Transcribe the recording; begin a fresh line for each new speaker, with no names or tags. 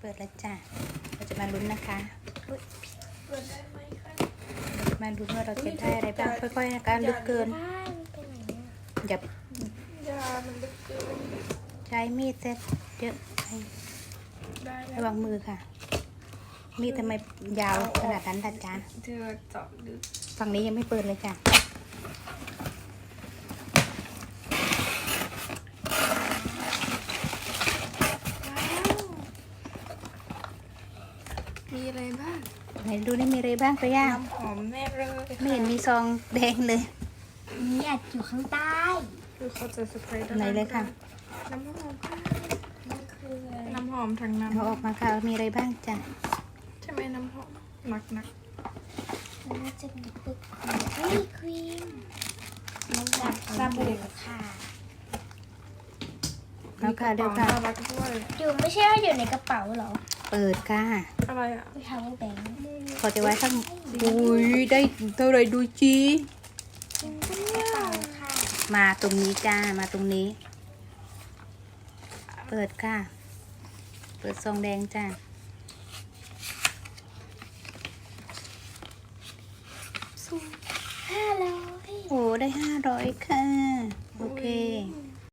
เปิดแล้วจ้ะเราจะมาลุ้นนะคะ
เปิดได้ไหมคะ
มาลุ้นว่าเราจะได้อะไรบ้างค่อยๆนะคะลึกเกิน
ได้มันไปไหนเนี่ย
อย่าย
ามันลึกเกิน
ใช้มีดเซ็ตเยอะไป
ได้แล้
ระวังมือค่ะ มีดทำไมยาวขนาดนั้นล่ะจ๊ะ
เธอเจาะลึก
ฝั่งนี้ยังไม่เปิดเลยจ้ะ
มีอะไรบ้าง
ไหนดูนี่มีอะไรบ้างตัวย่า
น้ำหอมแน่เลย
ไม่เห็นมีซองแดงเลย
นี่อาจอยู่ข้างใต้
คือเขาจะสเปรย์
ไหนเลยค่ะ
น้ำหอมค่ะ
มันคืออะไร
น้ำหอมทางนั้น
เอาออกมาค่ะมีอะไรบ้างจ้ะ
ใช่ไหมน้ำหอมหนัก
มันน่าจะมีปึกนี่ครีม
น้ำหอม
สบู่ค่ะ
เอาค่ะเดี๋ยวค่ะ
น่ารักด้วย
อยู่ไม่ใช่ว่าอยู่ในกระเป๋าเหรอ
เปิดค่ะ
อะไรอ่ะ
ไปทำแบงค์
เขาจะไว้ข้างอุ้ยได้เท่าไหรดูจี
กระเป๋าค่ะ
มาตรงนี้จ้ามาตรงนี้ เปิดค่ะ เปิดซองแดงจ้า
500
โอ้ได้500ค่ะโอเค
อืม